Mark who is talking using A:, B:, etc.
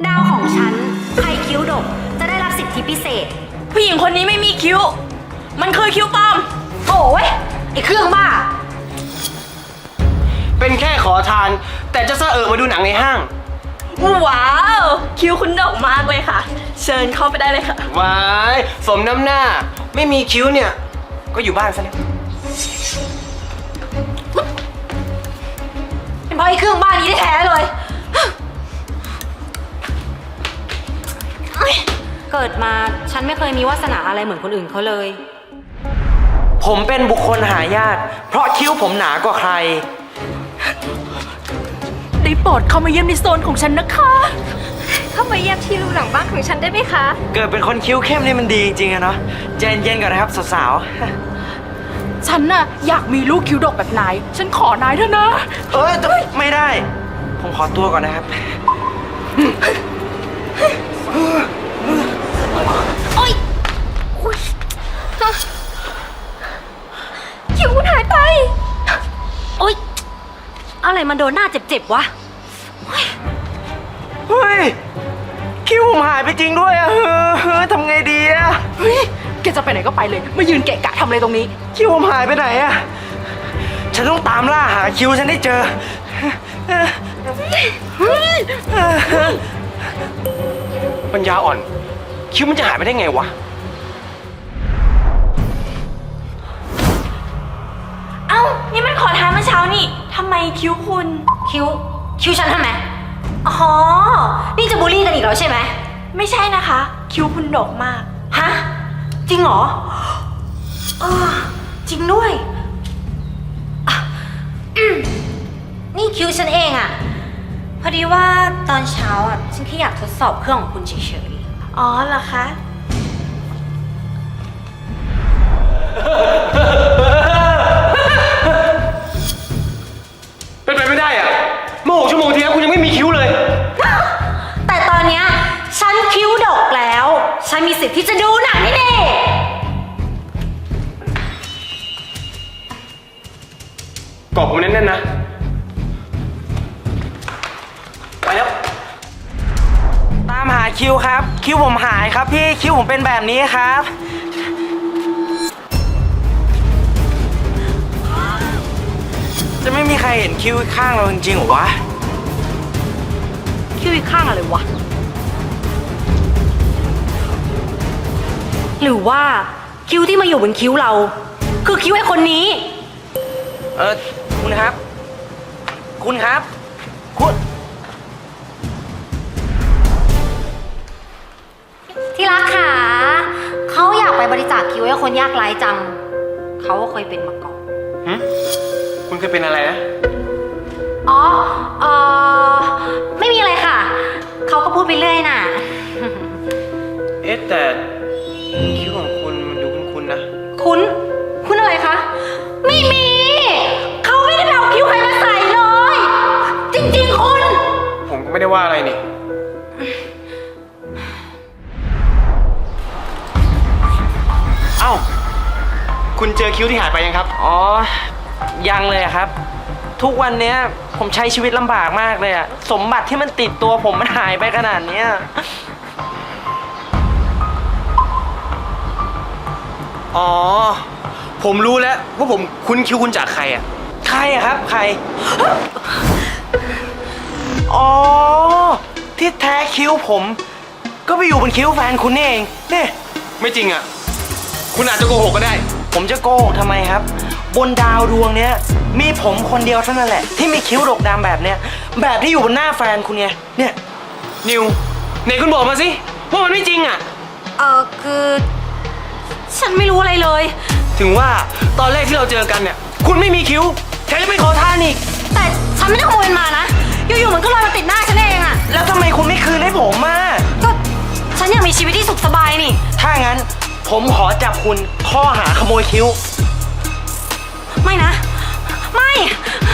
A: ดาวของฉันใครคิ้วดกจะได้รับสิทธิพิเศษ
B: ผู้หญิงคนนี้ไม่มีคิ้วมันคือคิ้วปลอม
A: โถ่เว้ยไอ้เครื่องบ้า
C: เป็นแค่ขอทานแต่จะสะมาดูหนังในห้าง
B: ว้าวคิ้วคุณดกมากเลยค่ะเชิญเข้าไปได้เลยค่ะ
C: ว้ายสมน้ำหน้าไม่มีคิ้วเนี่ยก็อยู่บ้านซะแล้ว
A: เป็นเพราะไอ้เครื่องบ้านี้แท้ๆเลยเกิดมาฉันไม่เคยมีวาสนาอะไรเหมือนคนอื่นเขาเลย
D: ผมเป็นบุคคลหายากเพราะคิ้วผมหนากว่าใคร
B: ได้โปรดเข้ามาเยี่ยมในโซนของฉันนะคะ
A: เข้ามาเยี่ยมที่รูหลังบ้านของฉันได้ไหมคะ
D: เกิดเป็นคนคิ้วเข้มนี่มันดีจริงๆอะเนาะใจเย็นๆก่อนนะครับสาว
B: ๆฉันน่ะอยากมีลูกคิ้วดกแบบนายฉันขอนายเถอะนะ
D: ไม่ได้ผมขอตัวก่อนนะครับ
A: โอ๊ยคิ้วคุณหายไปโอ๊ยอะไรมันโดนหน้าเจ็บๆวะ
D: เฮ้ยคิ้วผมหายไปจริงด้วยอะทำไงดีอะ
B: เฮ้ยแกจะไปไหนก็ไปเลยมายืนเกะกะทำอะไรตรงนี้
D: คิ้วผมหายไปไหนอะฉันต้องตามล่าหาคิ้วฉันให้เจอ
C: ปัญญาอ่อนคิ้วมันจะหายไปได้ไงวะ
B: เอ้านี่มันขอทานเมื่อเช้านี่ทำไมคิ้วคุณ
A: คิ้วฉันทำไมอ๋อนี่จะบูลลี่กันอีกแล้วใช่ไหม
B: ไม่ใช่นะคะคิ้วคุณดกมาก
A: ฮะจริงเหรอจริงด้วยนี่คิ้วฉันเองอะพอดีว่าตอนเช้าอะฉันแค่อยากทดสอบเครื่องของคุณเฉย
B: ๆอ๋อเหรอคะ
C: เป็นไปไม่ได้อะเมื่อ6 ชั่วโมงที่แล้วคุณยังไม่มีคิ้วเลย
A: แต่ตอนเนี้ยฉันคิ้วดกแล้วฉันมีสิทธิ์ที่จะดูหนังนี่เน่
C: กอดผมแน่นๆนะไปแล้ว
D: ตามหาคิ้วครับคิ้วผมหายครับพี่คิ้วผมเป็นแบบนี้ครับจะไม่มีใครเห็นคิ้วข้างเราจริงๆหรอวะ
A: คิ้วอีกข้างอะไรวะหรือว่าคิ้วที่มาอยู่บนคิ้วเราคือคิ้วไอ้คนนี้
D: คุณครับคุณ
A: ที่รักค่ะเขาอยากไปบริจาคคิ้วให้คนยากไร้จังเขาก็เคยเป็นมาก่อน
C: คุณเคยเป็นอะไรนะ
A: อ๋อไม่มีอะไรค่ะเขาก็พูดไปเรื่อยน่ะ
C: แต่คิ้วของคุณมันดูคุ้นๆนะ
A: คุณอะไรคะไม่มีเขาไม่ได้เอาคิ้วใครมาใส่เลยจริงๆคุณ
C: ผมก็ไม่ได้ว่าอะไรนี่เอ้าคุณเจอคิ้วที่หายไปยังครับ
D: อ๋อยังเลยครับทุกวันนี้ผมใช้ชีวิตลำบากมากเลยอะสมบัติที่มันติดตัวผมมันหายไปขนาดนี้
C: อ๋อผมรู้แล้วว่าผมคุ้นคิ้วคุณจากใครอะ
D: ใครอะครับใครอ๋อที่แท้คิ้วผมก็ไปอยู่บนคิ้วแฟนคุณนี่เองนี่
C: ไม่จริงอะคุณอาจจะโกหกก็ได้
D: ผมจะโกหกทำไมครับบนดาวดวงเนี้ยมีผมคนเดียวเท่านั้นแหละที่มีคิ้วดกดำแบบเนี้ยแบบที่อยู่บนหน้าแฟนคุณไงเนี่ย
C: นิวไหนคุณบอกมาสิว่ามันไม่จริงอะ
A: คือฉันไม่รู้อะไรเลย
C: ถึงว่าตอนแรกที่เราเจอกันเนี่ยคุณไม่มีคิ้วแถมยังไปขอทานอีก
A: แต่ฉันไม่ได้ขโมยมันมานะอยู่ๆมันก็ลอยมาติดหน้าฉันเองอะ
D: แล้วทำไมคุณไม่คืนให้ผมมา
A: ก็ฉันอยากมีชีวิตที่สุขสบายนี่
D: ถ้างั้นผมขอจับคุณข้อหาขโมยคิ้ว
A: ไม่นะไม่